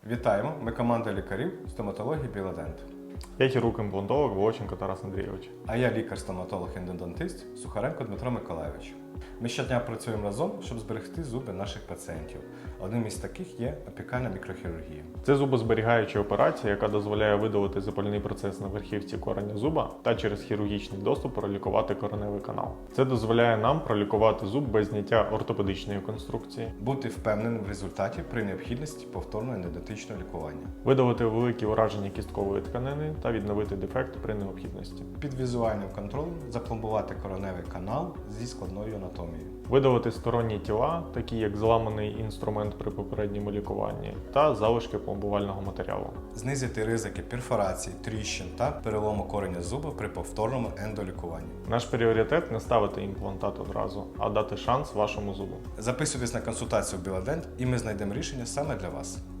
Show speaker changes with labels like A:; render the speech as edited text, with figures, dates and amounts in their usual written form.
A: Вітаємо! Ми команда лікарів стоматології Біладент.
B: Я хірург-імплантолог Волоченко Тарас Андрійович.
A: А я лікар-стоматолог-ендодонтист Сухаренко Дмитро Миколайович. Ми щодня працюємо разом, щоб зберегти зуби наших пацієнтів. Одним із таких є опікальна мікрохірургія.
B: Це зубозберігаюча операція, яка дозволяє видалити запальний процес на верхівці кореня зуба та через хірургічний доступ пролікувати кореневий канал. Це дозволяє нам пролікувати зуб без зняття ортопедичної конструкції,
A: Бути впевненим в результаті при необхідності повторного ендодонтичного лікування.
B: видалити великі ураження кісткової тканини та відновити дефект при необхідності,
A: Під візуальним контролем запломбувати короневий канал зі складною анатомією.
B: видалити сторонні тіла, такі як зламаний інструмент при попередньому лікуванні, та залишки пломбувального матеріалу.
A: Знизити ризики перфорацій, тріщин та перелому кореня зуба при повторному ендолікуванні.
B: Наш пріоритет не ставити імплантат одразу, а дати шанс вашому зубу.
A: Записуйтесь на консультацію в Біладент і ми знайдемо рішення саме для вас.